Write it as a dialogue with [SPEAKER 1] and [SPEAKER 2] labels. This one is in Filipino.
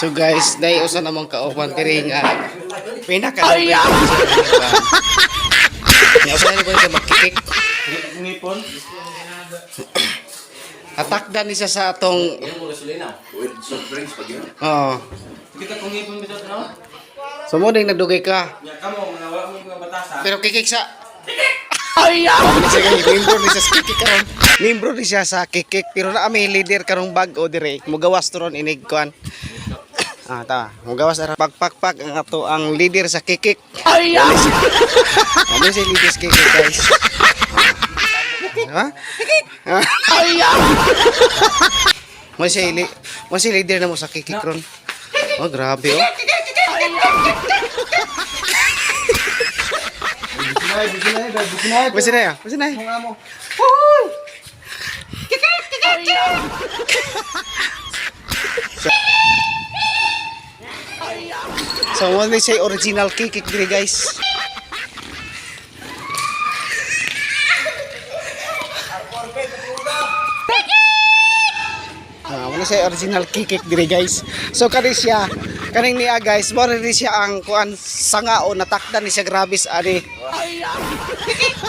[SPEAKER 1] So guys, dahil usa namang kauban kiri nga pinaka Nya usa ni ko magkikik.
[SPEAKER 2] Ngipon.
[SPEAKER 1] Atakdan ni siya sa atong
[SPEAKER 3] With soft drinks pag yun.
[SPEAKER 1] oh.
[SPEAKER 2] Kita kong ngipon bitaw no?
[SPEAKER 1] So mo ding nagdugay ka.
[SPEAKER 2] Ya kamo wala mo mga batasa.
[SPEAKER 1] Pero kikik sa Membro ni siya sa kikik karon. Membro ni siya sa kikik pero na may leader karong bag-o dire. Mugawas to ron inig kuan. Mugawas ara pagpakpak ang ato ang leader sa kikik. Ano si leader sa kikik guys? Ha? Mo si leader na mo sa kikik ron. Oh grabe oh. Masih na ya? Masih na ya? So, what may say original kikik diri guys. Wala say original kikik diri guys. So kani siya, kaning niya guys, mo rin siya ang kuan sanga o natakdan ni siya grabis ani.